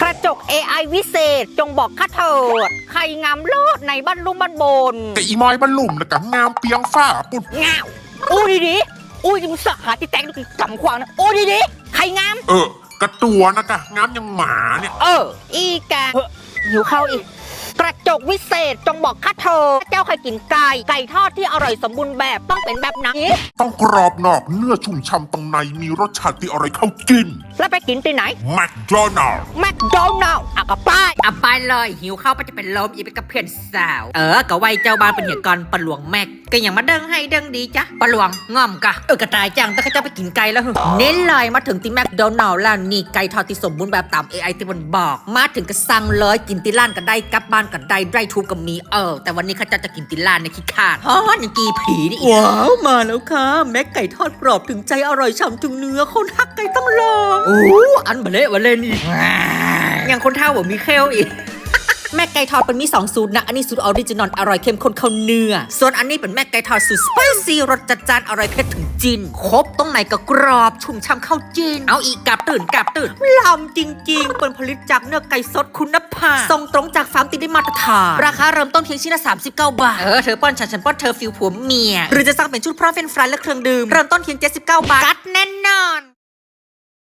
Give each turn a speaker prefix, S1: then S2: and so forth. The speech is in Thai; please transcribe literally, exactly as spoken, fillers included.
S1: ระจก เอ ไอ วิเศษจงบอกข้าเถิดใครงามเลิศในบ้านลุ่มบ้านบน
S2: แต่อีมอยบ้านลุ่มแล้วก็งามเปียงฝ้าปุ่น
S1: งาวอู้ดีดีอู้ยมึงสะหาที่แตงดูกำควางนะอู้ดีดีใครงาม
S2: เออกระตัวนะกะงามยังหมาเนี่ย
S1: เอออีกาหิวข้าวอีกกระจกวิเศษจงบอกข้าเธอเจ้าเคยกินไก่ไก่ทอดที่อร่อยสมบูรณ์แบบต้องเป็นแบบไหน
S2: ต้องกรอบนอกเนื้อชุ่มฉ่ำตรงในมีรสชาติที่อร่อยเข้ากิน
S1: แล้วไปกินที่ไหน
S2: แมคโดนัลด์
S1: แมคโดนัลด์อ่ะกับป้าย
S3: อ่ะไปเลยหิวข้าวไปจะเป็นลมอีกเป็นกับเพื่อนสาวเออก็ไว้เจ้าบ้านเป็นเหตุการณ์ปลวงแม็กก็อย่างมาเด้งให้เด้งดีจ้ะปลวงง่อมกะเออกระต่ายจังแต่ข้าเจ้าไปกินไก่แล้วเน้นเลยมาถึงที่แมคโดนัลด์แล้วนี่ไก่ทอดที่สมบูรณ์แบบตาม เอ ไอ ที่มันบอกมาถึงก็สั่งเลยกินที่ร้านก็ได้กลับบ้านก็ได้ได้ทุกก็มีเออแต่วันนี้ข้าเจ้าจะกินที่ร้านในขี้ขาดฮะยังกีผีนี่ว้าวมาแล้วค่ะแม็กไก่ทอดกรอบถึงใจอร่อยฉ่ำถึงเนื้อคนฮักไก่ต้องลองโอ้อันเบลเบลนี่ยังคนเท่าบ่มีเคลอีกแม่ไก่ทอดเป็นมีสองสูตรนะอันนี้สูตรออริจินอลอร่อยเข้มข้นเข้าเนื้อส่วนอันนี้เป็นแม่ไก่ทอดสูตรสไปซี่รสจัดจ้านอร่อยเผ็ดถึงจีนครบตรงไหนก็กรอบชุ่มช่ำเข้าจีนเอาอีกกาบตื่นกาบตื่นลำจริงๆเป็นผลิตจากเนื้อไก่สดคุณภาพส่งตรงจากฟาร์มติดได้มาตรฐานราคาเริ่มต้นเพียงชิ้นละสามสิบเก้าบาทเออเธอป้อนฉันฉันป้อนเธอฟิลผัวเมียหรือจะสั่งเป็นชุดพร้อมเฟรนช์ฟรายและเครื่องดื่มเริ่มต้นเพียงเจ็ดสิบเก้าบาทกัดแน่นอน